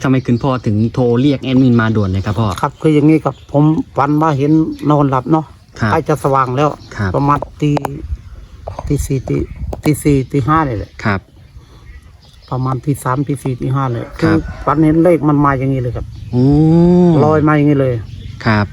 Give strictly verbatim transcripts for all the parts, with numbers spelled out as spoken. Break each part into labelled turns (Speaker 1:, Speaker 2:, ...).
Speaker 1: ทำไมคุณพ่อถึงโทรเรียกแอดมินมาด่วนเลยครับพ่อ
Speaker 2: ครับคืออย่างนี้ครับผมฝันว่าเห็นนอนหลับเนาะใกล้จะสว่างแล้วประมาณตีตีสี่ตีตีสี่ตีห้าเลยแหละครับประมาณตีสามตีสี่ตีห้าเลยคือฝันเห็นเลขมันมาอย่างนี้เลยครับลอยมาอย่างนี้เลยครับ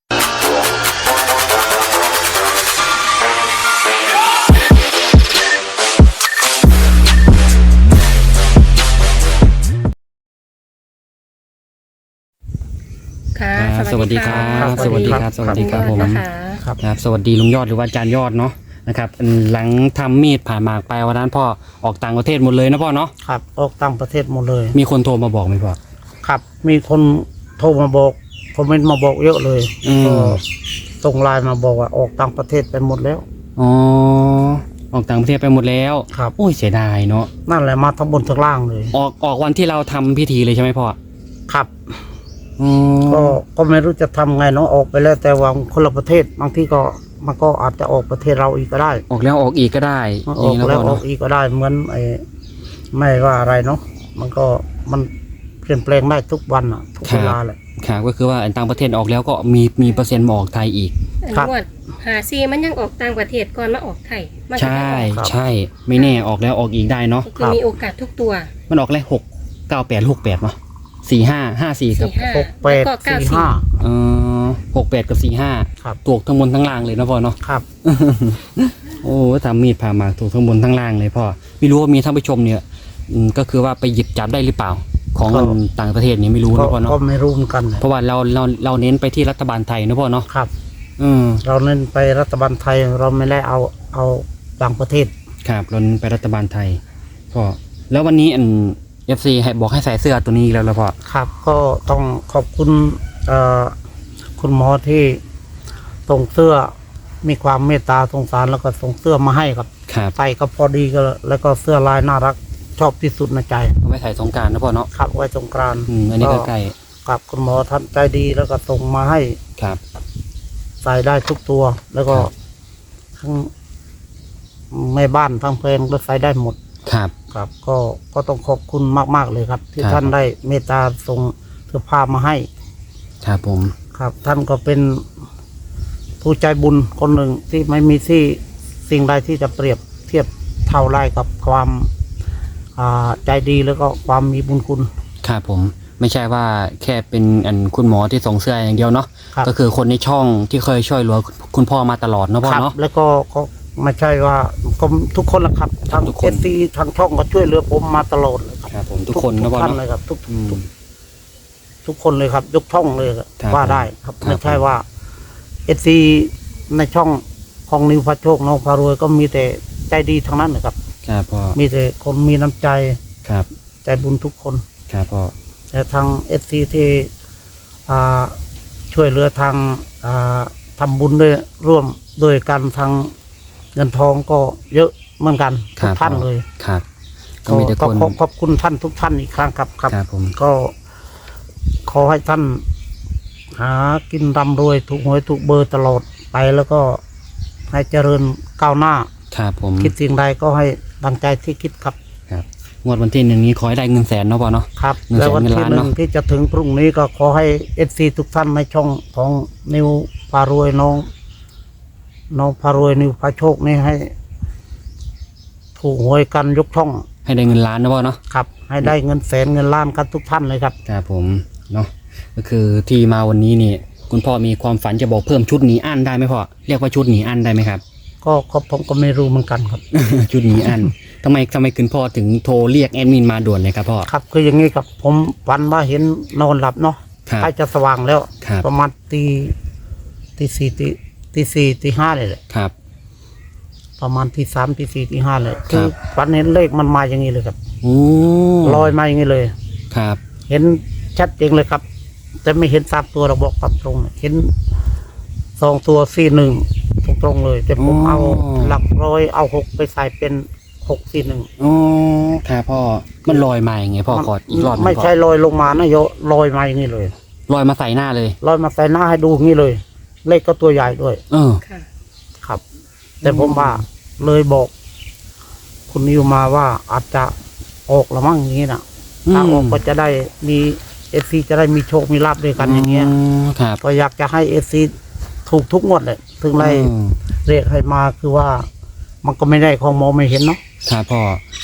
Speaker 1: สวัสดีครับสวัสดีครับสวัสดีครับผมครับสวัสดีลุงยอดหรือว่าอาจารย์ยอดเนาะนะครับหลังทำมีดผ่าหมากไปวันนั้นพ่อออกต่างประเทศหมดเลยนะพ่อเนาะ
Speaker 2: ครับออกต่างประเทศหมดเลย
Speaker 1: มีคนโทรมาบอกไหมพ่อ
Speaker 2: ครับมีคนโทรมาบอกคอมเมนต์มาบอกเยอะเลยก็ส่งไลน์มาบอกว่าออกต่างประเทศไปหมดแล้ว
Speaker 1: อ๋อออกต่างประเทศไปหมดแล้ว
Speaker 2: ครับ
Speaker 1: โอ้ยเสียดายเนาะ
Speaker 2: นั่นแหละมาทั้งบนทั้งล่างเลย
Speaker 1: ออกออกวันที่เราทำพิธีเลยใช่ไหมพ่อ
Speaker 2: ครับก็ก็ไม่รู้จะทำไงเนาะออกไปแล้วแต่ว่าคนละประเทศบางที่ก็มันก็อาจจะออกประเทศเราอีกก็ได้
Speaker 1: ออกแล้วออกอีกก็ได้
Speaker 2: ออกแล้วออกอีกก็ได้เหมือนไอ้ไม่ว่าอะไรเนาะมันก็มันเปลี่ยนแปลงได้ทุกวันอ่ะทุกเวลาแหละ
Speaker 1: ครับก็คือว่าต่างประเทศออกแล้วก็มีมีเปอร์เซ็นต์มาออกไทยอีก
Speaker 3: ครับหาซีมันยังออกต่างประเทศก่อนมาออกไทย
Speaker 1: ใช่ใช่ไม่แน่ออกแล้วออกอีกได้เนาะ
Speaker 3: คือมีโอกาสทุกตัว
Speaker 1: มันออกแล้วหกเก้าแปดหกแปดเนาะสี่ห้าห้าสี่กับ
Speaker 2: หกแปดสี่ห้า
Speaker 1: เออหกแปดกับสี่ห้าถูกทั้งบนทั้งล่างเลยนะพ่อเนาะ
Speaker 2: ครับ
Speaker 1: โอ้ทำมีดผ่าหมากถูกทั้งบนทั้งล่างเลยพ่อไม่รู้ว่ามีท่านผู้ชมเนี่ยก็คือว่าไปหยิบจับได้หรือเปล่าของต่างประเทศนี่ไม่รู้นะพ่อเนาะ
Speaker 2: ก็ไม่รู้เหมือนกัน
Speaker 1: เพราะว่าเราเราเราเน้นไปที่รัฐบาลไทยนะพ่อเนาะ
Speaker 2: ครับอืมเราเน้นไปรัฐบาลไทยเราไม่ได้เอาเอาต่างประเทศ
Speaker 1: ครับเราเน้นไปรัฐบาลไทยพ่อแล้ววันนี้อันเอฟซีให้บอกให้ใส่เสื้อตัวนี้แล้วแล้วพ่อ
Speaker 2: ครับก็ต้องขอบคุณเอ่อคุณหมอที่ส่งเสื้อมีความเมตตาสงสารแล้วก็ส่งเสื้อมาให้ครับใส่ก็พอดีก็แล้วก็เสื้อลายน่ารักชอบที่สุดในใจ
Speaker 1: เอาไว้ใส่สงกรานต์นะพ่อเนาะ
Speaker 2: ครับไว้สงกรานต์
Speaker 1: อันนี้ก็ใกล้
Speaker 2: กับคุณหมอท่านใจดีแล้วก็ส่งมาให้
Speaker 1: ครับ
Speaker 2: ใส่ได้ทุกตัวแล้วก็ทั้งแม่บ้านทั้งเพลงก็ใส่ได้หมด
Speaker 1: ครับ
Speaker 2: ครับก็ก็ต้องขอบคุณมากๆเลยครับที่ท่านได้เมตตาส่งเสื้อผ้ามาให้
Speaker 1: ครับผม
Speaker 2: ครับท่านก็เป็นผู้ใจบุญคนหนึ่งที่ไม่มีที่สิ่งใดที่จะเปรียบเทียบเท่าไรกับความใจดีแล้วก็ความมีบุญคุณ
Speaker 1: ครับผมไม่ใช่ว่าแค่เป็นอันคุณหมอที่ส่งเสื้ออย่างเดียวเนาะก็คือคนในช่องที่เคยช่วยเหลือคุณพ่อมาตลอดเนาะพ่อเนาะ
Speaker 2: แล้วก็ก็ไม่ใช่ว่าทุกคนละครับทางเอฟซีทางช่องก็ช่วยเหลือผมมาตลอดเลย
Speaker 1: ครับผมทุกคนนะ
Speaker 2: พ่อท่านเลยครับทุกทุกคนเลยครับยกช่องเลยว่าได้ครับไม่ใช่ว่าเอฟซีในช่องของนิวพระโชคน้องพารวยก็มีแต่ใจดีทั้งนั้นนะครับ
Speaker 1: ครับพ่อ
Speaker 2: มีแต่คนมีน้ำใจ
Speaker 1: ครับ
Speaker 2: ใจบุญทุกคน
Speaker 1: ครับพ่อ
Speaker 2: แต่ทางเอฟซีที่ช่วยเหลือทางทำบุญด้วยร่วมโดยการทางเงินทองก็เยอะเหมือนกันทุกท่านเลย
Speaker 1: ครับ
Speaker 2: ก็มีแต่คนขอบคุณท่านทุกท่านอีกครั้งครับครับ
Speaker 1: ผม
Speaker 2: ก็ขอให้ท่านหากินร่ำรวยถูกหวยถูกเบอร์ตลอดไปแล้วก็ให้เจริญก้าวหน้า
Speaker 1: ครับผม
Speaker 2: คิดสิ่งใดก็ให้ดังใจที่คิดครับ
Speaker 1: ครับงวดวันที่หนึ่งนี้ขอให้ได้เงินแสนเนาะพ่อเนาะ
Speaker 2: ครับแล้ววันที่หนึ่งที่จะถึงพรุ่งนี้ก็ขอให้เอฟซีทุกท่านในช่องของนิวพารวยน้องน้องพารวยนิวพาโชคนี่ให้ถูกหวยกันยกช่อง
Speaker 1: ให้ได้เงินล้านนะพ่อเนาะ
Speaker 2: ครับให้ได้เงินแสนเงินล้านกันทุกท่านเลยครับ
Speaker 1: ครับผมเนาะก็คือที่มาวันนี้นี่คุณพ่อมีความฝันจะบอกเพิ่มชุดหนีอั้นได้ไหมพ่อเรียกว่าชุดหนีอั้นได้ไหมครับ
Speaker 2: ก็ผมก็ไม่รู้เหมือนกันครับ
Speaker 1: ชุดหนีอั้นทำไมทำไมคุณพ่อถึงโทรเรียกแอดมินมาด่วนเลยครับพ่อ
Speaker 2: ครับคืออย่างนี้ครับผมฝันว่าเห็นนอนหลับเนาะใกล้จะสว่างแล้วประมาณตีตีสี่ตีตีสี่ตีห้าเลยแหละ
Speaker 1: ครับ
Speaker 2: ประมาณตีสามตีสี่ตีห้าเลยคือฝันเห็นเลขมันมาอย่างนี้เลยครับลอยมาอย่างนี้เลย
Speaker 1: ครับ
Speaker 2: เห็นชัดเจนเลยครับแต่ไม่เห็นสามตัวเราบอกตามตรงเห็นสองตัวสี่หนึ่งตรงๆเลยแต่ผมเอาหลักร้อยเอาหกไปใส่เป็นหกสี่หนึ่ง
Speaker 1: อ๋อครับพ่อมันลอยมาอย่างไงพ่อขออีกรอบ
Speaker 2: ไม่ใช่ลอยลงมานะโยลอยมาอย่างนี้เลย
Speaker 1: ลอยมาใส่หน้าเลย
Speaker 2: ลอยมาใส่หน้าให้ดูอย่างนี้เลยเลขก็ตัวใหญ่ด้วย
Speaker 1: เออ
Speaker 2: ครับแต่ผมว่าเลยบอกคุณนิวมาว่าอาจจะออกละมั่งอย่างนี้นะถ้าออกก็จะได้มีเอฟซีจะได้มีโชคมีลาภด้วยกันอย่างเงี้ย
Speaker 1: ครับ
Speaker 2: ก็อยากจะให้เอฟซีถูกทุกงวดเลยถึงได้
Speaker 1: อืม
Speaker 2: เรียกให้มาคือว่ามันก็ไม่ได้ของมองไม่เห็นเนาะ
Speaker 1: ครับพ่อบ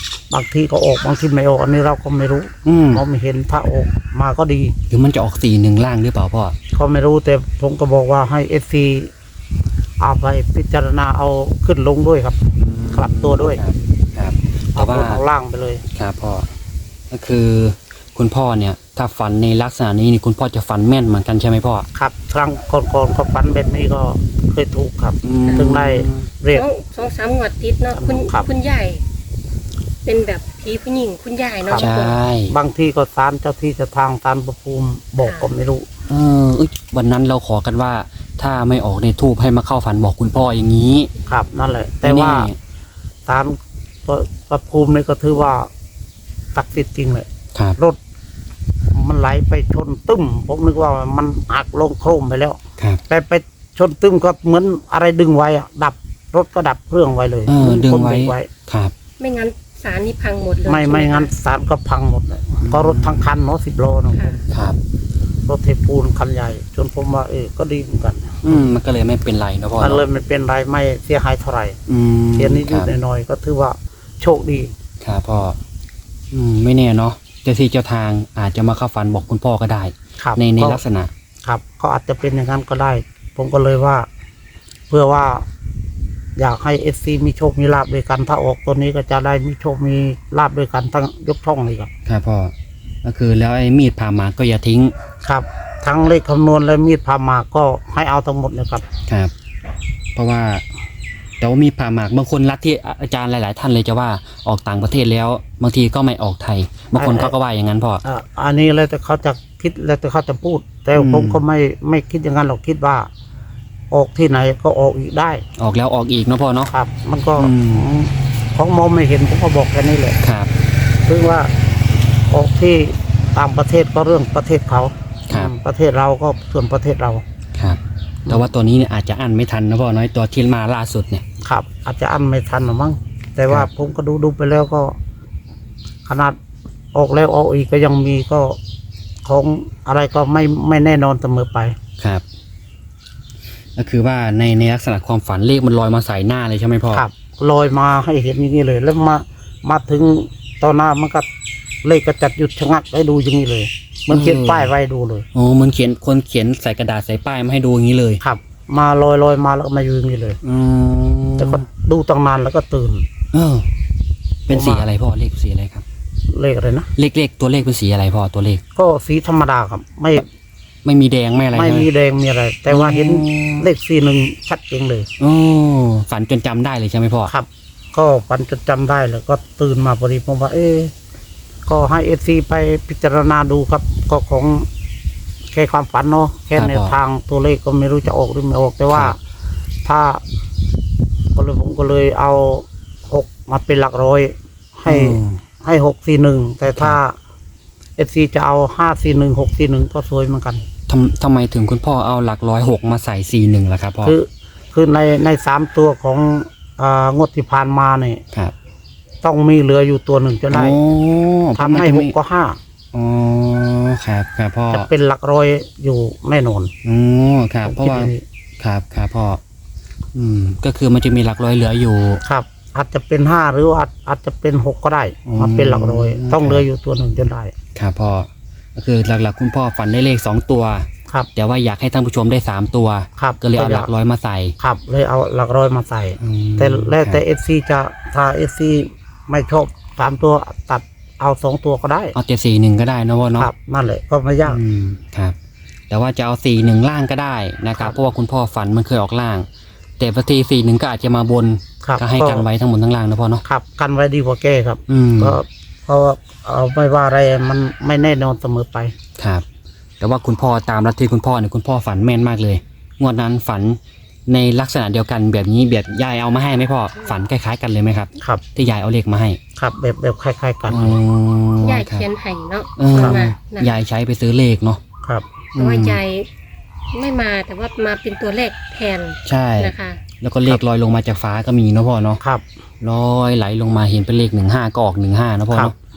Speaker 2: างทีก็ออกบางทีไม่ออกอันนี้เราก็ไม่รู้
Speaker 1: อืม
Speaker 2: มองไม่เห็นถ้าออกมาก็ดี
Speaker 1: หรือมันจะออกสี่หนึ่งล่างหรือเปล่าพ่อ
Speaker 2: ก็ไม่รู้แต่ผมก็บอกว่าให้เอฟซีเอาไปพิจารณาเอาขึ้นลงด้วยครับ กลับตัวด้วย
Speaker 1: ครับครับแต่
Speaker 2: เอา
Speaker 1: ว่า
Speaker 2: บนเอาล่างไปเลย
Speaker 1: ครับพ่อก็คือคุณพ่อเนี่ยถ้าฝันในลักษณะนี้นี่คุณพ่อจะฝันแม่นเหมือนกันใช่ไหมพ่อ
Speaker 2: ครับ ครั้งก่อนๆก็ฝันแบบนี้ก็เคยถูกครับ
Speaker 1: อืม
Speaker 2: ถึงได้เรียก
Speaker 3: สองสองสามงวดติดเนาะคุณ
Speaker 2: ครับ
Speaker 3: คุณใหญ่ เป็นแบบผีผู้หญิงคุณยายเนาะ
Speaker 1: ใช่
Speaker 2: บางทีก็ศาลเจ้าที่เจะทางศาลประภูมิบอกก็ไม่รู้
Speaker 1: เออเอ้ยวันนั้นเราขอกันว่า ถ้าไม่ออกในทูบให้มาเข้าฝันบอกคุณพ่ออย่างนี้
Speaker 2: ครับ นั่นแหละ แต่ว่า
Speaker 1: นี่
Speaker 2: ศาลประภูมินี่ก็ถือว่าศักดิ์สิทธิ์จริงเลย
Speaker 1: ครับ
Speaker 2: รถมันไหลไปชนตึ้มผมนึกว่ามันหักลงโครมไปแล้ว
Speaker 1: ครับ
Speaker 2: แต่ไปชนตึ้มก็เหมือนอะไรดึงไว้อะดับรถก็ดับเครื่องไว้เลย
Speaker 1: เออ
Speaker 2: หมือน
Speaker 1: ดึง
Speaker 2: คน
Speaker 1: ไว้
Speaker 2: เบรกไว้
Speaker 1: ครับ
Speaker 3: ไม่งั้นสารนี่พังหมดเลย
Speaker 2: ไม่ไม่
Speaker 3: ใช่ห
Speaker 2: งั้น
Speaker 3: คะ
Speaker 2: สารก็พังหมดเลยก็รถทั้งคันเนาะสิบโลเนาะ
Speaker 3: ค่ะ
Speaker 1: ครับ
Speaker 2: รถเทปูนคันใหญ่ จนผมว่าเออก็ดีเหมือนกัน
Speaker 1: อืมมันก็เลยไม่เป็นไรนะพ่อ
Speaker 2: มัน
Speaker 1: เนอะ
Speaker 2: เลยไม่เป็นไรไม่เสียหายเท่าไหร่
Speaker 1: อืม
Speaker 2: เสียนิด
Speaker 1: ครับ
Speaker 2: ๆหน่อยๆก็ถือว่าโชคดี
Speaker 1: ครับพ่ออืมไม่แน่เนาะเจ้าที่เจ้าทางอาจจะมาเข้าฝันบอกคุณพ่อก็ได้
Speaker 2: ครับ
Speaker 1: ในใน
Speaker 2: ก็
Speaker 1: ลักษณะ
Speaker 2: ครับก็อาจจะเป็นอย่างนั้นก็ได้ ผมก็เลยว่า เพื่อว่า อยากให้เอฟซีมีโชคมีลาบด้วยกัน ถ้าออกตัวนี้ก็จะได้มีโชคมีลาบด้วยกันทั้งยกช่องเลยครับ
Speaker 1: ครับพ่อก็คือแล้วไอ้มีดผ่าหมากก็อย่าทิ้ง
Speaker 2: ครับ ทั้งเลขคำนวณและมีดพาหมากก็ให้เอาทั้งหมดเลยครับ
Speaker 1: ครับ เพราะว่าแต่ว่ามีดผ่าหมากบางคนรัดที่อาจารย์หลาย ๆ ท่านเลยจะว่าออกต่างประเทศแล้ว บางทีก็ไม่ออกไทย บางคนเขาก็ว่าอย่างนั้นพ่อ
Speaker 2: อ่ะอันนี้แล้วแต่เขาจะคิดแล้วแต่เขาจะพูด แต่
Speaker 1: อืม
Speaker 2: ผมก็ไม่ไม่คิดอย่างนั้นหรอกคิดว่า ออกที่ไหนก็ออกอีกได้
Speaker 1: ออกแล้วออกอีกเนาะพ่อเนาะ
Speaker 2: ครับ มันก็
Speaker 1: อืม
Speaker 2: ของมองไม่เห็นผมก็บอกแค่นี้แหละ
Speaker 1: ครับ
Speaker 2: คือว่าออกที่ต่างประเทศก็เรื่องประเทศเขา
Speaker 1: ครับ
Speaker 2: อืมประเทศเราก็ส่วนประเทศเรา
Speaker 1: ครับ แต่ว่าตัวนี้เนี่ยอาจจะอั้นไม่ทันนะพ่อน้อยตัวที่มาล่าสุดเนี่ย
Speaker 2: ครับ อาจจะอั้นไม่ทันหรอมั้งแต่ว่า
Speaker 1: ครับ
Speaker 2: ผมก็ดูดูไปแล้วก็ ขนาดออกแล้วออกอีกก็ยังมีก็ของอะไรก็ไม่ไม่แน่นอนเสมอไป
Speaker 1: ครับ ก็คือว่าในในลักษณะความฝันเลขมันลอยมาใส่หน้าเลยใช่ไหมพ่อ
Speaker 2: ครับลอยมาให้เห็นอย่างนี้เลย แล้วมามาถึงตอนหน้ามันก็เลขก็จัดหยุดชะงักให้ดูอย่างนี้เลยเหมันเขียนป้ายไว้ดูเลย
Speaker 1: โอ้มันเขียนคนเขียนใส่กระดาษใส่ป้ายมาให้ดูอย่างนี้เลย
Speaker 2: ครับ มาลอยลอยมาแล้วก็มาอยู่อย่างนี้เลย
Speaker 1: อืม
Speaker 2: แต่ก็ดูตั้งนานแล้วก็ตื่น
Speaker 1: เออ เป็นสี
Speaker 2: ผมว่า
Speaker 1: อะไรพ่อเลขสีอะไรครับ
Speaker 2: เลขอะไรนะ
Speaker 1: เลขเลขตัวเลขเป็นสีอะไรพ่อตัวเลข
Speaker 2: ก็สีธรรมดาครับ ไม่
Speaker 1: ไม่มีแดงไม่อะไร
Speaker 2: ไม่
Speaker 1: ใช่ห
Speaker 2: มีแดงมีอะไร แต่ว่าเห็น
Speaker 1: อืม
Speaker 2: เลขสี่หนึ่งชัดเจนเลย
Speaker 1: โอ้ฝันจนจำได้เลยใช่ไหมพ่อ
Speaker 2: ครับ ก็ปันจนจำได้แล้วก็ตื่นมาพอดีผมว่า เอ๊ะก็ให้เอซีไปพิจารณาดูครับ ก็ของแค่ความฝันเนาะแค่ในวทางตัวเลขก็ไม่รู้จะออกหรือไม่ออก แต่ว่าถ้าก็เลยผมก็เลยเอาหกมาเป็นหลักร้อย ให้
Speaker 1: อืม
Speaker 2: ให้หกสี่หนึ่งแต่ถ้าเอซีจะเอาห้าสี่หนึ่งหกสี่หนึ่งก็สวยเหมือนกัน
Speaker 1: ทำทำไมถึงคุณพ่อเอาหลักร้อยหกมาใส่สี่หนึ่งล่ะครับพ่อ
Speaker 2: คือคือในในสามตัวของอ่างวดที่ผ่านมาเนี่ย
Speaker 1: ครับ
Speaker 2: ต้องมีเหลืออยู่ตัวหนึ่งจะได้
Speaker 1: โอ้
Speaker 2: ทำให้หกก็ห้า
Speaker 1: อ๋อครับครับพ่อ
Speaker 2: จะเป็นหลักร้อยอยู่แน่นอน
Speaker 1: อ๋อครับ เพราะว่า
Speaker 2: ผมคิดอย่งนี้
Speaker 1: ครับครับพ่ออืม ก็คือมันจะมีหลักร้อยเหลืออยู่
Speaker 2: ครับ อาจจะเป็นห้าหรือว่าอาจอาจจะเป็นหกก็ได้
Speaker 1: อืม
Speaker 2: มาเป็นหลักร้อย ต้องเหลืออยู่ตัวหนึ่งจะได้
Speaker 1: ครับพ่อก็คือหลักๆคุณพ่อฝันได้เลขสองตัว
Speaker 2: ครับ
Speaker 1: แต่ว่าอยากให้ท่านผู้ชมได้สามตัว
Speaker 2: ครับ
Speaker 1: ก็เลยเอาหลักร้อยมาใส่
Speaker 2: ครับ เลยเอาหลักร้อยมาใส่
Speaker 1: อืม
Speaker 2: แต่แล้วแต่
Speaker 1: ครับ
Speaker 2: เอฟซีจะถ้าเอฟซีไม่ชอบสามตัวตัดเอาสองตัวก็ได้
Speaker 1: เอาแต่สี่หนึ่งก็ได้นะพ่อเนาะ
Speaker 2: ครับนั่นแหละก็ไม่ยาก
Speaker 1: อืมครับ แต่ว่าจะเอาสี่หนึ่งล่างก็ได้นะครั
Speaker 2: ครับ
Speaker 1: บเพราะว่าคุณพ่อฝันมันเคยออกล่าง แต่บางทีสี่หนึ่งก็อาจจะมาบน
Speaker 2: ครับ
Speaker 1: ก็ให้กันไว้ทั้งหมดทั้งล่างนะพ่อเนาะ
Speaker 2: ครับ กันไว้ดีกว่าแก้ครับ
Speaker 1: อืม
Speaker 2: ก็เพราะว่าเอาไม่ว่าอะไรมันไม่แน่นอนเสมอไป
Speaker 1: ครับ แต่ว่าคุณพ่อตามลัทธิคุณพ่อเนี่ยคุณพ่อฝันแม่นมากเลยงวดนั้นฝันในลักษณะเดียวกันแบบนี้แบบยายเอามาให้ไหมพ่อฝันคล้ายๆกันเลยไหมครับ
Speaker 2: ครับ
Speaker 1: ที่ยายเอาเลขมาให้
Speaker 2: ครับแบบแบบคล้าย ๆ กัน
Speaker 1: อ๋อย
Speaker 3: าย
Speaker 1: ครับ
Speaker 3: เขียนให้เนาะ
Speaker 1: เออ
Speaker 3: เอามานะ
Speaker 1: ยายใช้ไปซื้อเลขเนาะ
Speaker 2: ครับ
Speaker 3: แต่ว่ายายไม่มาแต่ว่ามาเป็นตัวเลขแทน
Speaker 1: ใช่
Speaker 3: นะคะ
Speaker 1: แล้วก็เลขลอยลงมาจากฟ้าก็มีเนาะพ่อเนาะ
Speaker 2: ครับ
Speaker 1: ลอยไหลลงมาเห็นเป็นเลขหนึ่งห้าก็ออกหนึ่งห้านะพ่อ
Speaker 2: ครับ
Speaker 1: เนาะ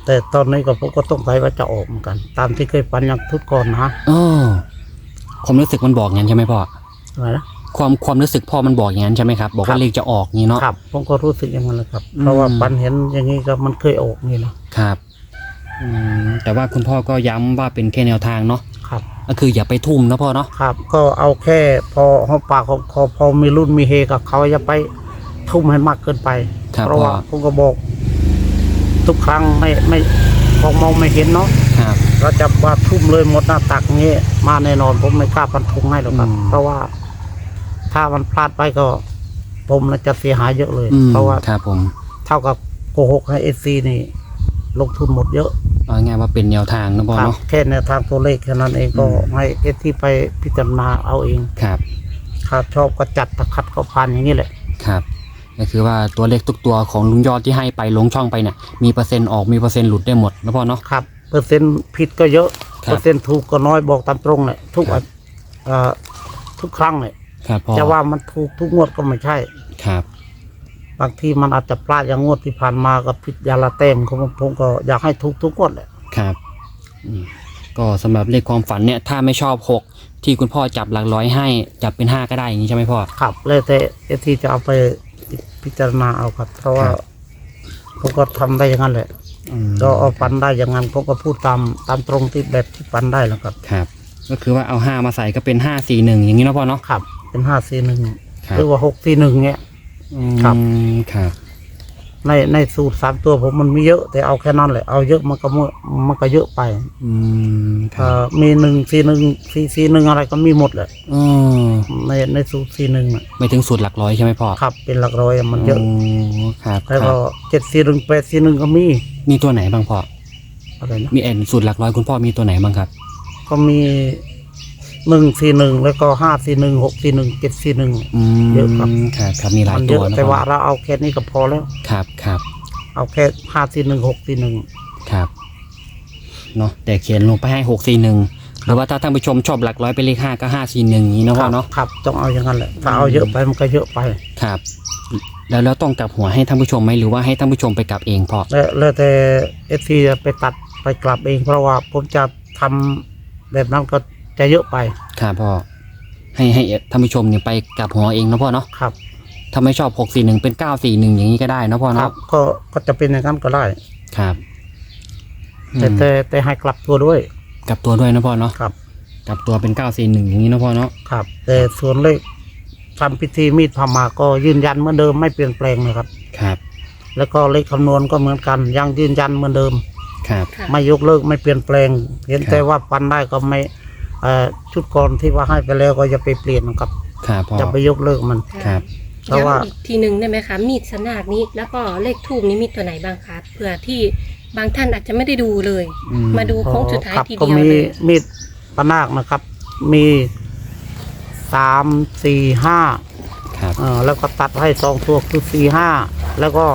Speaker 2: แต่ตอนนี้ก็ผมก็ต้องไปว่าจะออกเหมือนกัน ตามที่เคยฝันอย่างทุกก่อนนะ
Speaker 1: อ๋อความรู้สึกมันบอกอย่างนั้นใช่ไหมพ่อ
Speaker 2: อะไรนะ
Speaker 1: ความความรู้สึกพ่อมันบอกอย่างนั้นใช่ไหมครับบอกว่าเลขจะออกนี้เนาะ
Speaker 2: ครับผมก็รู้สึกอย่างนั้นแหละครับ
Speaker 1: อืม
Speaker 2: เพราะว่าฝันเห็นอย่างนี้ก็มันเคยออกนี่นะครับ
Speaker 1: อืมแต่ว่าคุณพ่อก็ย้ำว่าเป็นแค่แนวทางเนาะ
Speaker 2: ครับ
Speaker 1: ก็คืออย่าไปทุ่มนะพ่อเนาะ
Speaker 2: ครับ ก็เอาแค่พอหอมปากของพอพอมีรุ่นมีเฮกับเขาอย่าไปทุ่มให้มากเกินไป
Speaker 1: ครับ
Speaker 2: เพราะ
Speaker 1: พ่อ
Speaker 2: ว่าผมก็บอก ทุกครั้งไม่ไม่พอมองไม่เห็นเนาะ
Speaker 1: ครับ
Speaker 2: เราจะว่าทุ่มเลยหมดหน้าตักงี้มาแน่นอนผมไม่กล้าฟันธงให้หรอกครับ
Speaker 1: อืม
Speaker 2: เพราะว่าถ้ามันพลาดไปก็ ผมน่าจะเสียหายเยอะเลย
Speaker 1: อืม
Speaker 2: เพราะว่า
Speaker 1: ครับผม
Speaker 2: เท่ากับโกหกให้เอซีนี่ ลงทุนหมดเยอะ
Speaker 1: เอาง่ายว่าเป็นแนวทางนะพ่อ
Speaker 2: ครับ
Speaker 1: เนาะ
Speaker 2: แค่แนวทางตัวเลขแค่นั้นเองก็
Speaker 1: อืม
Speaker 2: ให้เอซีไปพิจารณาเอาเอง
Speaker 1: ครับ
Speaker 2: ถ้าชอบก็จัดถ้าขัดก็ผ่านอย่างนี้แหละ
Speaker 1: ครับก็คือว่าตัวเลขทุกตัวของลุงยอดที่ให้ไปลงช่องไปเนี่ยมีเปอร์เซ็นต์ออกมีเปอร์เซ็นต์หลุดได้หมดนะพ่อเนาะ
Speaker 2: ครับเปอร์เซ็นต์ผิดก็เยอะ
Speaker 1: ครับ
Speaker 2: เปอร์เซ็นต์ถูกก็น้อยบอกตามตรงเลยทุก
Speaker 1: ครับ
Speaker 2: เอ่อทุกครั้งเลย
Speaker 1: ครับพ่อ
Speaker 2: จะว่ามันถูกทุกงวดก็ไม่ใช่
Speaker 1: ครับ
Speaker 2: บางทีมันอาจจะพลาดอย่างงวดที่ผ่านมากับผิดยาละเต็มของผมก็อยากให้ถูกทุกงวดแหละ
Speaker 1: ครับอืมก็สำหรับเลขความฝันเนี่ยถ้าไม่ชอบหกที่คุณพ่อจับหลักร้อยให้จับเป็นห้าก็ได้อย่างนี้ใช่ไหมพ่อ
Speaker 2: ครับเลยแต่เอทีจะเอาไปพิจารณาเอาครับ เพราะว่า
Speaker 1: ครับ
Speaker 2: ผมก็ทำได้อย่างนั้นแหละ
Speaker 1: อืม
Speaker 2: ก็เอาฟันได้อย่างนั้นผมก็พูดตามตามตรงที่แบบที่ฟันได้แล้วครับ
Speaker 1: ครับ ก็คือว่าเอาห้ามาใส่ก็เป็นห้าสี่หนึ่งอย่างนี้นะพ่อเนาะ
Speaker 2: ครับ เป็นห้าสี่หนึ่ง
Speaker 1: ครับ
Speaker 2: หรือว่าหกสี่หนึ่งเงี้ย ครับ
Speaker 1: อืมครับ
Speaker 2: ในในสูตรสามตัวผมมันมีเยอะ แต่เอาแค่นั้นแหละเอาเยอะมันก็มั่วมันก็เยอะไป
Speaker 1: อืมค
Speaker 2: เอ่
Speaker 1: รับ
Speaker 2: อมีหนึ่งสี่หนึ่งสี่สี่หนึ่งอะไรก็มีหมดแหละ
Speaker 1: อ๋อ
Speaker 2: ในในสูตรสี่หนึ่ง
Speaker 1: ไม่ถึงสูตรหลักร้อยใช่ไหมพ่อ
Speaker 2: ครับเป็นหลักร้อยอะมันเยอะ
Speaker 1: ครับ
Speaker 2: แล้ว
Speaker 1: ค
Speaker 2: ก็
Speaker 1: รับ
Speaker 2: เจ็ดสี่หนึ่งแปดสี่หนึ่งก็มี
Speaker 1: มีตัวไหนบ้างพ่อ
Speaker 2: อะไรนะ
Speaker 1: มีแอนสูตรหลักร้อยคุณพ่อมีตัวไหนบ้างครับ
Speaker 2: ก็มีหนึ่งสี่หนึ่งแล้วก็ห้าสี่หนึ่งหกสี่หนึ่งเจ็ดสี่หนึ่ง
Speaker 1: อืม
Speaker 2: เยอะครับ
Speaker 1: ครับครับมีหลาย
Speaker 2: มัน
Speaker 1: ตั
Speaker 2: เยว อะ
Speaker 1: นะ
Speaker 2: แต่
Speaker 1: พ่อ
Speaker 2: ว่าเราเอาแค่นี้ก็พอแล้ว
Speaker 1: ครับครับ
Speaker 2: เอาแค่ห้าสี่หนึ่งหกสี่หนึ่ง
Speaker 1: ครับเนาะแต่เขียนลงไปให้หกสี่หนึ่งหรือว่าถ้าท่านผู้ชมชอบหลักร้อยเป็นเลขห้าก็ห้าสี่หนึ่งนี้นะพ่อเนาะ
Speaker 2: ครับต้องเอาอย่างนั้นแหละถ้าเอาเยอะไปมันก็เยอะไป
Speaker 1: ครับ แล้วแล้วต้องกลับหัวให้ท่านผู้ชมไหมหรือว่าให้ท่านผู้ชมไปกลับเองพ่อ
Speaker 2: แล้วแล้วแต่เอฟซีไปตัดไปกลับเอง เพราะว่าผมจะทำแบบนั้นก็จะเยอะไป
Speaker 1: ครับพ่อให้ให้ท่านผู้ชมเนี่ยไปกลับหัวเองนะพ่อเนาะ
Speaker 2: ครับ
Speaker 1: ถ้าไม่ชอบหกสี่หนึ่งเป็นเก้าสี่หนึ่งอย่างนี้ก็ได้นะพ่อ
Speaker 2: ครั
Speaker 1: เนาะ
Speaker 2: บก็ก็จะเป็นอย่างนั้นก็ได้
Speaker 1: ครับอื
Speaker 2: แต่
Speaker 1: ม
Speaker 2: แต่แต่ให้กลับตัวด้วย
Speaker 1: กลับตัวด้วยนะพ่อเนาะ
Speaker 2: ครับ
Speaker 1: กลับตัวเป็นเก้าสี่หนึ่งอย่างนี้นะพ่อเนาะ
Speaker 2: ครับ แต่ส่วนเลขทำพิธีมีดพามาก็ยืนยันเหมือนเดิมไม่เปลี่ยนแปลงนะครับ
Speaker 1: ครับ
Speaker 2: แล้วก็เลขคำนวณก็เหมือนกันยังยืนยันเหมือนเดิม
Speaker 1: ครับ
Speaker 3: ค่ะ
Speaker 2: ไม่ยกเลิกไม่เปลี่ยนแปลง เห็น
Speaker 1: ครับ
Speaker 2: แต่ว่าปันได้ก็ไม่เอ่อชุดก่อนที่ว่าให้ไปแล้วก็อย่าไปเปลี่ยนนะครับ
Speaker 1: ครับพ่อ
Speaker 2: อย่าไปยกเลิกมัน
Speaker 1: ครับ
Speaker 2: เพราะว่า
Speaker 3: ย้ำอีกทีหนึ่งได้ไหมคะมีดสนากนี้แล้วก็เลขทูบนี้มีตัวไหนบ้างคะเผื่อที่บางท่านอาจจะไม่ได้ดูเลย
Speaker 1: อืม
Speaker 3: มาดูโค้งสุดท้าย
Speaker 2: ครับ
Speaker 3: ที
Speaker 2: ก็
Speaker 3: เดียว
Speaker 2: มี
Speaker 3: เลย
Speaker 2: มีดปนาคนะครับ มีสามสี่ห้า
Speaker 1: ครับ
Speaker 2: เออแล้วก็ตัดให้สองตัวคือสี่ห้าแล้วก็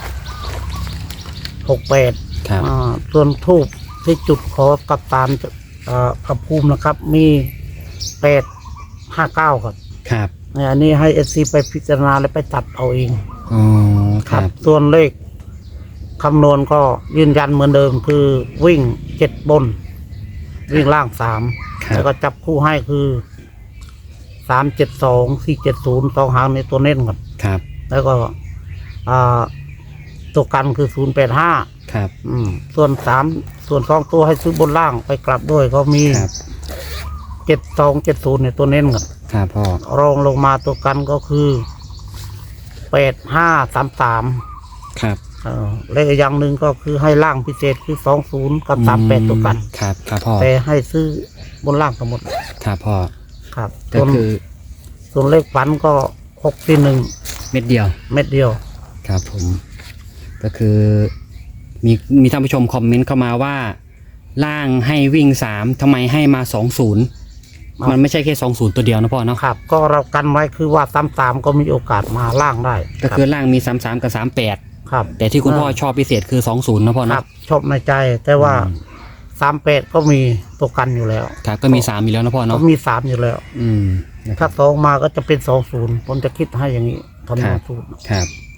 Speaker 2: หกแปด
Speaker 1: ครับ
Speaker 2: อ่าส่วนทูบที่จุดขอกับตามเอ่อพระภูมินะครับ มีแปดห้าเก้าครับ
Speaker 1: ครับ
Speaker 2: เนี่ยอันนี้ให้เอซีไปพิจารณาและไปตัดเอาเอง
Speaker 1: อ๋อครับ
Speaker 2: ส่วนเลขคำนวณก็ยืนยันเหมือนเดิมคือวิ่งเจ็ดบน วิ่งล่างสาม
Speaker 1: ครับ
Speaker 2: แล้วก็จับคู่ให้คือสามเจ็ดสองสี่เจ็ดศูนย์สองหางในตัวเน้นก่อน
Speaker 1: ครับ
Speaker 2: แล้วก็อ่าตัวกันคือศูนย์แปดห้า
Speaker 1: ครับ
Speaker 2: ส่วนสามส่วนสองตัวให้ซื้อบนล่างไปกลับด้วยก็มี
Speaker 1: ครับ
Speaker 2: เจ็ดสองเจ็ดศูนย์ในตัวเน้นก่อน
Speaker 1: ครับพ่อ
Speaker 2: รองลงมาตัวกันก็คือแปดห้าสามสาม
Speaker 1: ครับ
Speaker 2: เลขอีกอย่างหนึ่งก็คือให้ล่างพิเศษคือสองศูนย์กับสามแปดตัวกัน
Speaker 1: ครับครับพ่อ
Speaker 2: แต่ให้ซื้อบนล่างทั้งหมด
Speaker 1: ครับพ่อ
Speaker 2: ครับ
Speaker 1: ก็
Speaker 2: ส่วน
Speaker 1: คือ
Speaker 2: ส่วนเลขฝันก็หกสี่หนึ่ง
Speaker 1: เม็ดเดียว
Speaker 2: เม็ดเดียว
Speaker 1: ครับผม ก็คือมีมีท่านผู้ชมคอมเมนต์เข้ามาว่า ล่างให้วิ่งสามทำไมให้มาสองศูนย์
Speaker 2: ครับ
Speaker 1: มันไม่ใช่แค่สองศูนย์ตัวเดียวนะพ่อเนาะ
Speaker 2: ครับ ก็เรากันไว้คือว่าสามสามก็มีโอกาสมาล่างได้
Speaker 1: ก็คือล่างมีสามสามกับสามแปด
Speaker 2: ครับ
Speaker 1: แต่ที่คุณพ่อชอบพิเศษคือสองศูนย์นะพ่อ
Speaker 2: ครั
Speaker 1: เนาะ
Speaker 2: บชอบในใจ แต่ว่า
Speaker 1: อืม
Speaker 2: สามแปดก็มีตัวกันอยู่แล้ว
Speaker 1: ครับก็มีสามอยู่แล้วนะพ่อ
Speaker 2: ก็
Speaker 1: เนาะ
Speaker 2: มีสามอยู่แล้ว
Speaker 1: อืมนะค
Speaker 2: ถ้า
Speaker 1: รับ
Speaker 2: สองมาก็จะเป็นสองศูนย์ผมจะคิดให้อย่างนี้ทำนองสูตร
Speaker 1: ครับ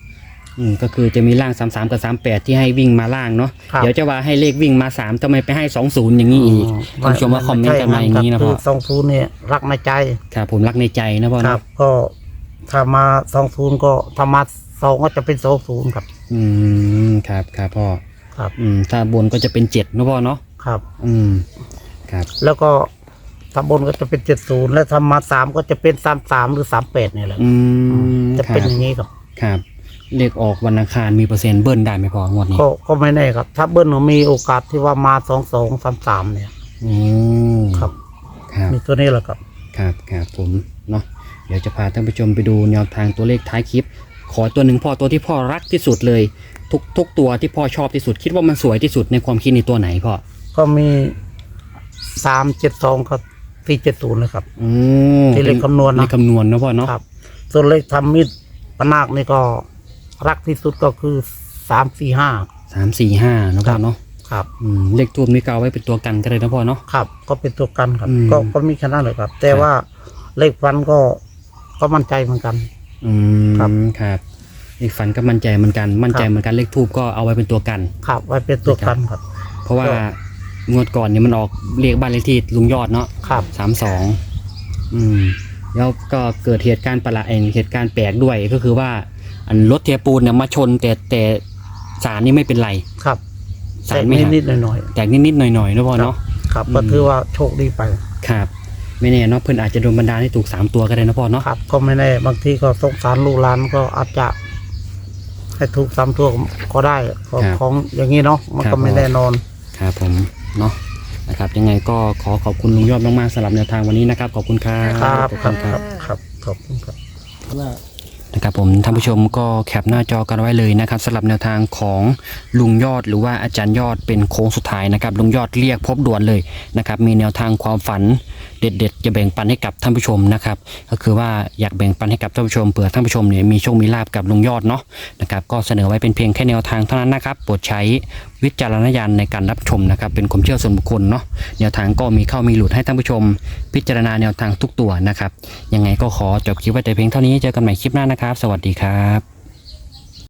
Speaker 1: อืมก็คือจะมีล่างสามสามกับสามแปดที่ให้วิ่งมาล่างเนาะ
Speaker 2: ครับ
Speaker 1: เดี๋ยวจะว่าให้เลขวิ่งมาสามทำไมไปให้สองศูนย์อย่างนี้อีกท่านผู้ชมว่าคอมเมนต์กันมาอย่างนี้นะ
Speaker 2: คื
Speaker 1: พ่อ
Speaker 2: อสองศูนย์เนี่ยรักในใจ
Speaker 1: ครับผมรักในใจนะพ่อ
Speaker 2: ครั
Speaker 1: เนาะ
Speaker 2: บ ก็ถ้ามาสองศูนย์ก็ถ้ามาสองก็จะเป็นสองศูนย์ครับ
Speaker 1: อืมครับครับพ่อ
Speaker 2: ครับ
Speaker 1: อืมถ้าบนก็จะเป็นเจ็ดนะพ่อเนาะ
Speaker 2: ครับ
Speaker 1: อืมครับ
Speaker 2: แล้วก็ถ้าบนก็จะเป็นเจ็ดศูนย์และถ้ามาสามก็จะเป็นสามสามหรือสามแปดนี่แหละ
Speaker 1: อืม
Speaker 2: จะ
Speaker 1: ครั
Speaker 2: เป็น
Speaker 1: บ
Speaker 2: อย่างนี้ครับ
Speaker 1: ครับเลขออกวันอังคารมีเปอร์เซ็นต์เบิ้ลได้ไหมพ่องวดนี้
Speaker 2: ก็ก็ไม่แน่ครับ ถ้าเบิ้ลมีโอกาสที่ว่ามาสองสองสามสามเนี่ย
Speaker 1: อืม
Speaker 2: ครับ
Speaker 1: ครับ
Speaker 2: มีตัวนี้แหละครับ
Speaker 1: ครับครับผมเนาะเดี๋ยวจะพาท่านผู้ชมไปดูแนวทางตัวเลขท้ายคลิป ขอตัวหนึ่งพ่อตัวที่พ่อรักที่สุดเลย ทุกทุกตัวที่พ่อชอบที่สุด คิดว่ามันสวยที่สุดในความคิดในตัวไหนพ่อ
Speaker 2: ก็มีสามเจ็ดสองกับสี่เจ็ดศูนย์เลยครับ
Speaker 1: อืม
Speaker 2: ที่เลขคำนวณนะ
Speaker 1: เลขคำนวณนะพ่อเนาะ
Speaker 2: ครับ ส่วนเลขทำมิดปนาคนี่ก็รักที่สุดก็คือสามสี่ห้า
Speaker 1: สามสี่ห้านะพ่อเนาะ
Speaker 2: ครับ
Speaker 1: อืมเลขทูบนี่ก็เอาไว้เป็นตัวกันก็เลยนะพ่อเนาะ
Speaker 2: ครับ ก็เป็นตัวกันครับ
Speaker 1: อืม
Speaker 2: ก็ก็มีแค่นั้นเลยครับ แต่
Speaker 1: ครับ
Speaker 2: ว่าเลขฟันก็ก็มั่นใจเหมือนกัน
Speaker 1: อืม
Speaker 2: ครับ
Speaker 1: ครับเลขฝันก็มั่นใจเหมือนกันมั่นใจเหมือนกันเลขทูบก็เอาไว้เป็นตัวกัน
Speaker 2: ครับ ไว้เป็นตัวกันครับ
Speaker 1: เพราะว่างวดก่อนเนี่ยมันออกเลขบ้านเลขที่ลุงยอดเนาะ
Speaker 2: ครับ
Speaker 1: สามสองอืมแล้วก็เกิดเหตุการณ์ประหลาดเองเหตุการณ์แปลกด้วยก็คือว่าอันรถเทปูนเนี่ยมาชนแต่แต่สารนี่ไม่เป็นไร
Speaker 2: ครับ
Speaker 1: สา
Speaker 2: แต่
Speaker 1: รไม่หัก
Speaker 2: นิดๆหน่อย
Speaker 1: แตกนิดๆหน่อยๆนะพ่อเนาะ
Speaker 2: ๆครับ
Speaker 1: อืม
Speaker 2: ก็ถือว่าโชคดีไป
Speaker 1: ครับ ไม่แน่เนาะเพื่อนอาจจะโดนบันดาลให้ถูกสามตัวก็ได้นะพ่อเนาะ
Speaker 2: ครับ ก็ไม่แน่บางทีก็สงสารลูกหลานก็อาจจะ ให้ถูกสามตัวก็ได้ของของอย่างนี้เนาะมันก็ไม่แน่นอน
Speaker 1: ครับผมเนาะนะครับยังไงก็ขอขอบคุณลุงยอดมากๆสำหรับแนวทางวันนี้นะครับขอบคุณครับ
Speaker 2: ครับ
Speaker 1: ขอบ
Speaker 2: ครั
Speaker 1: คุ
Speaker 2: บ
Speaker 1: ณครับ
Speaker 2: ครับขอบคุณครับว่า
Speaker 1: นะครับผมท่านผู้ชมก็แคปหน้าจอกันไว้เลยนะครับสำหรับแนวทางของลุงยอดหรือว่าอาจารย์ยอดเป็นโค้งสุดท้ายนะครับลุงยอดเรียกพบด่วนเลยนะครับมีแนวทางความฝันเด็ดๆจะแบ่งปันให้กับท่านผู้ชมนะครับก็คือว่าอยากแบ่งปันให้กับท่านผู้ชมเผื่อท่านผู้ชมเนี่ยมีโชคมีลาภกับลุงยอดเนาะนะครับก็เสนอไว้เป็นเพียงแค่แนวทางเท่านั้นนะครับโปรดใช้วิจารณญาณในการรับชมนะครับเป็นความเชื่อส่วนบุคคลเนาะแนวทางก็มีเข้ามีหลุดให้ท่านผู้ชม พิจารณาแนวทางทุกตัวนะครับยังไงก็ขอจบคลิปไว้แต่เพียงเท่านี้เจอกันใหม่คลิปหน้านะครับสวัสดีครับ